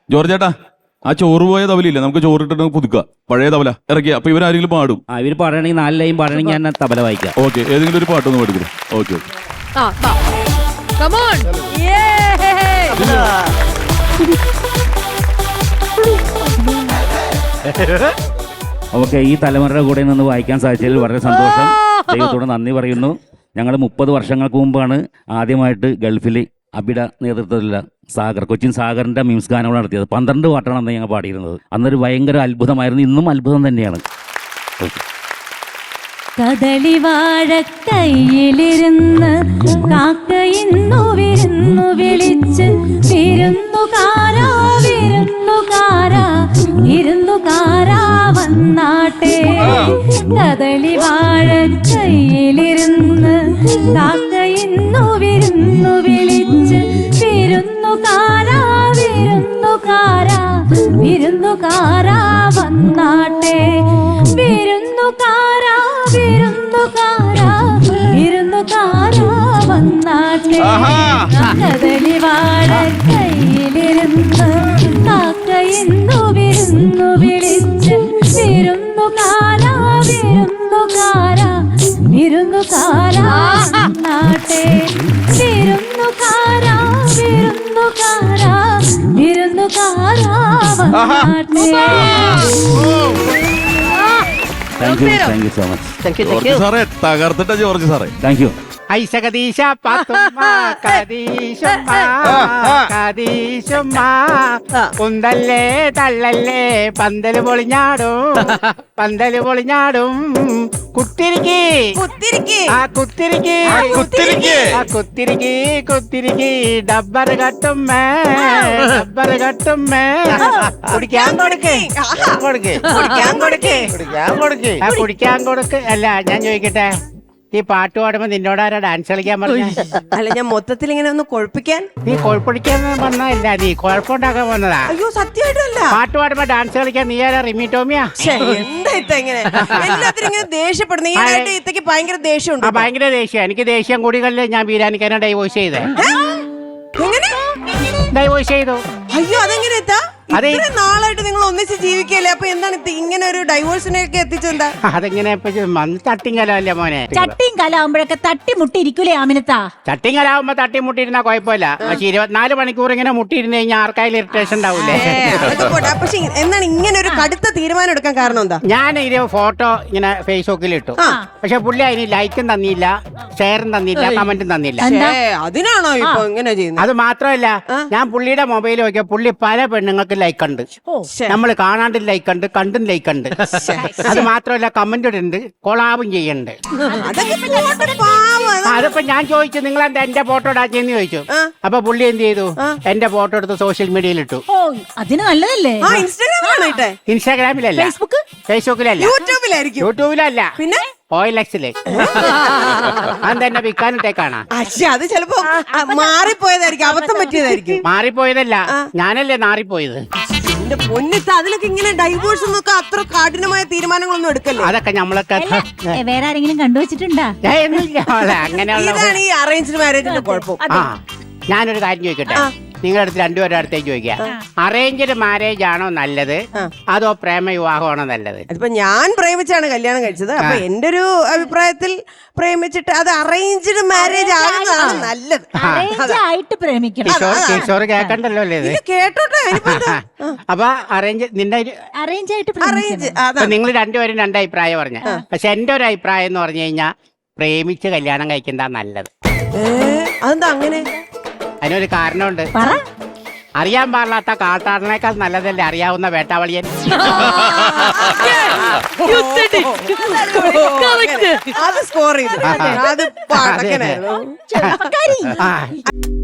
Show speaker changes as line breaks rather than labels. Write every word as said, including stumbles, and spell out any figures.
George ചേട്ടാ, ആ ചോറ് പോയ തവലയില്ലേ, നമുക്ക് ചോറിട്ടിട്ട് പുതുക്കുക. പഴയ തവല ഇറക്കിയ. അപ്പൊ ഇവരാരെങ്കിലും പാടും?
ആ ഇവര് പാടണമെങ്കിൽ നാല് ലൈൻ പാടണമെങ്കിൽ ഞാൻ തബല വായിക്കാം.
ഓക്കെ, ഏതെങ്കിലും ഒരു പാട്ടൊന്ന് പാടിക്കണം. Okay okay.
ഓക്കെ, ഈ തലമുറയുടെ കൂടെ നിന്ന് വായിക്കാൻ സാധിച്ചതിൽ വളരെ സന്തോഷം. ദൈവത്തോട് നന്ദി പറയുന്നു. ഞങ്ങൾ മുപ്പത് വർഷങ്ങൾക്ക് മുമ്പാണ് ആദ്യമായിട്ട് ഗൾഫിൽ അബിഡ നേതൃത്വത്തിലുള്ള സാഗർ കൊച്ചിൻ സാഗറിന്റെ മ്യൂസിക് ഗാനങ്ങൾ നടത്തിയത്. പന്ത്രണ്ട് പാട്ടാണ് അന്ന് ഞങ്ങൾ പാടിയിരുന്നത്. അന്നൊരു ഭയങ്കര അത്ഭുതമായിരുന്നു. ഇന്നും അത്ഭുതം തന്നെയാണ്.
കദളി വാഴക്കൈയിലിരുന്ന് കാക്കയിന്നു വിരുന്നു വിളിച്ച് വിരുന്നുകാരാ വിരുന്നുകാരാ വിരുന്നുകാരാ വന്നാട്ടെ. കദളി വാഴക്കൈയിലിരുന്ന് കാക്കയിന്നു വിരുന്നു വിളിച്ച് വിരുന്നുകാരാ വിരുന്നുകാരാ വിരുന്നുകാരാ വന്നാട്ടെ. വിരുന്നുകാരാ വിരുന്നുകാരാ വിരുന്നുകാരാ വന്നാട്ടെ. കദളി വാഴക്കൈയിലിരുന്ന് കാക്കയിന്നു വിരുന്നു വിളിച്ച് വിരുന്നുകാരാ വിരുന്നുകാരാ വിരുന്നുകാരാ വന്നാട്ടെ. വിരുന്നുകാരാ വിരുന്നുകാരാ വിരുന്നുകാരാ വന്നാട്ടെ.
Thank you thank you so much.
George സാറേ, തകർത്തിട്ട ജോർജ് സാറേ.
Thank you.
ഐശകദീശ പാത്തുമ്മ കദീശുമ്മ കദീശുമ്മ കുന്തല്ലേ തള്ളല്ലേ പന്തല് പൊളിഞ്ഞാടും പന്തല് പൊളിഞ്ഞാടും. കുത്തിരിക്കി
കുത്തിരിക്കി
ആ കുത്തിരിക്കി
കുത്തിരിക്കി
ആ കുത്തിരിക്കി കുത്തിരിക്കി ഡബ്ബർ കട്ടുമ്മേ ഡബ്ബർ കട്ടുമ്മേ. കുടിക്കാൻ കൊടുക്ക് കൊടുക്ക്
കുടിക്കാൻ കൊടുക്ക്
കുടിക്കാൻ കൊടുക്ക് ആ കുടിക്കാൻ കൊടുക്ക്. അല്ല ഞാൻ ചോദിക്കട്ടെ, ഈ പാട്ട് പാടുമ്പോ നിന്നോടാരാ ഡാൻസ് കളിക്കാൻ പറഞ്ഞ?
അല്ല, ഞാൻ മൊത്തത്തിൽ ഇങ്ങനെ ഒന്ന് കൊഴപ്പിക്കാൻ.
നീ കുഴപ്പടിക്കാൻ വന്നതല്ല, നീ കുഴപ്പമുണ്ടാക്കാൻ വന്നതാ.
അയ്യോ, സത്യമായിട്ടല്ല.
പാട്ട് പാടുമ്പോ ഡാൻസ് കളിക്കാൻ നീ ആരാ? റിമി ടോമിയാ?
എന്താ ഇത്ത ഇങ്ങനെ എല്ലാത്തിനും ഇങ്ങനെ ദേഷ്യപ്പെടുന്നു? ഈ ഇടയായിട്ട് ഇത്തക്ക് ഭയങ്കര ദേഷ്യമുണ്ട്.
ആ ഭയങ്കര ദേഷ്യം. എനിക്ക് ദേഷ്യം കൂടികളിൽ ഞാൻ ബീരാനിക്കാനെ ഡൈവോഴ്സ് ചെയ്തേ.
എങ്ങനെ
ഡൈവോഴ്സ് ചെയ്തു.
അയ്യോ, അതെങ്ങനെ എത്താ?
അതെ.
ഇത്രയും നാളായിട്ട് നിങ്ങൾ ഒന്നിച്ച് ജീവിക്കല്ലേ, അപ്പൊ എന്താണ് ഇത് ഇങ്ങനെ ഒരു ഡൈവോഴ്സിനെയൊക്കെ എത്തിച്ചെന്താ?
അതെങ്ങനെ തട്ടിങ്കലല്ലേ മോനെ?
ചട്ടിയും കലാവുമ്പോഴൊക്കെ തട്ടിമുട്ടിയിരിക്കൂലേ ആമിനത്താ?
ചട്ടിങ്കലാവുമ്പോ തട്ടിമുട്ടിയിരുന്നാ കുഴപ്പമില്ല. പക്ഷെ ഇരുപത്തിനാല് മണിക്കൂർ ഇങ്ങനെ മുട്ടിയിരുന്ന് കഴിഞ്ഞാൽ ആർക്കായാലും ഇറിറ്റേഷൻ ഉണ്ടാവൂലേ?
പക്ഷെ എന്താണ് ഇങ്ങനെ ഒരു കടുത്ത തീരുമാനം എടുക്കാൻ കാരണം എന്താ?
ഞാൻ ഇത് ഫോട്ടോ ഇങ്ങനെ ഫേസ്ബുക്കിൽ ഇട്ടു. പക്ഷെ പുള്ളി അതിന് ലൈക്കും തന്നില്ല, ഷെയറും തന്നില്ല, കമന്റും തന്നില്ല.
അതിനാണോ ഇപ്പൊ ഇങ്ങനെ ചെയ്യുന്നത്?
അത് മാത്രമല്ല, ഞാൻ പുള്ളിയുടെ മൊബൈൽ നോക്കിയ പുള്ളി പല പെണ്ണുങ്ങൾക്ക് ലൈക്ക് ഉണ്ട്. നമ്മൾ കാണാണ്ടും ലൈക്ക് ഉണ്ട്, കണ്ടും ലൈക്ക് ഉണ്ട്. അത് മാത്രമല്ല, കമന്റ് ഇടുന്നുണ്ട്, കൊളാബും ചെയ്യുന്നുണ്ട്. അതിപ്പോ ഞാൻ ചോദിച്ചു, നിങ്ങൾ എന്താ എന്റെ ഫോട്ടോ ഇടാച്ചെന്ന് ചോദിച്ചു. അപ്പൊ പുള്ളി എന്ത് ചെയ്തു? എന്റെ ഫോട്ടോ എടുത്ത് സോഷ്യൽ മീഡിയയിൽ ഇട്ടു.
അതിന് നല്ലതല്ലേ?
ഇൻസ്റ്റാഗ്രാമിലല്ല, ഫേസ്ബുക്കിലല്ല,
യൂട്യൂബിലായിരിക്കും.
യൂട്യൂബിലല്ല,
പിന്നെ
ഓയിലക്സില്. അതെന്നെ വിൽക്കാനിട്ടേക്കാണ്.
അത് ചിലപ്പോ മാറിപ്പോയതായിരിക്കും, അബദ്ധം പറ്റിയതായിരിക്കും.
മാറിപ്പോയതല്ല, ഞാനല്ലേ നാറിപ്പോയത്.
എന്റെ പൊന്നിത്ത, അതിലൊക്കെ ഇങ്ങനെ ഡൈവോഴ്സ് എന്നൊക്കെ അത്ര കഠിനമായ തീരുമാനങ്ങളൊന്നും എടുക്കല്ലേ?
അതൊക്കെ നമ്മളൊക്കെ
വേറെ ആരെങ്കിലും കണ്ടുവച്ചിട്ടുണ്ടാ?
അങ്ങനെയുള്ള.
ഇതാണ് ഈ അറേഞ്ച്ഡ് മാരേജിന്റെ കുഴപ്പം.
ആ, ഞാനൊരു കാര്യം ചോദിക്കട്ടെ, നിങ്ങളുടെ അടുത്ത് രണ്ടുപേരുടെ അടുത്തേക്ക് ചോദിക്കാം. അറേഞ്ച്ഡ് മാരേജ് ആണോ നല്ലത്, അതോ പ്രേമ വിവാഹമാണോ നല്ലത്?
അതിപ്പോ ഞാൻ പ്രേമിച്ചാണ് കല്യാണം കഴിച്ചത്. അപ്പൊ എന്റെ ഒരു അഭിപ്രായത്തിൽ പ്രേമിച്ചിട്ട് അത് അറേഞ്ച്ഡ് മാരേജ് ആകുന്നതാണ് നല്ലത്.
ആയിട്ട് പ്രേമിക്കണം.
കിഷോർ കേക്കണ്ടല്ലോ അല്ലേ ഇത്?
കേട്ടോട്ടെ.
അപ്പൊ അറേഞ്ച് നിന്റെ
അറേഞ്ച് ആയിട്ട്
അറേഞ്ച്
നിങ്ങൾ രണ്ടുപേരും രണ്ട് അഭിപ്രായം പറഞ്ഞ. പക്ഷെ എന്റെ ഒരു അഭിപ്രായം എന്ന് പറഞ്ഞു കഴിഞ്ഞാൽ പ്രേമിച്ച് കല്യാണം കഴിക്കുന്നതാ നല്ലത്.
അതെന്താ അങ്ങനെ?
അതിനൊരു കാരണമുണ്ട്. അറിയാൻ പാടില്ലാത്ത കാട്ടാടനേക്കാൾ നല്ലതല്ലേ അറിയാവുന്ന വേട്ടാവളിയൻ.
അത് സ്കോർ ചെയ്തു. അത്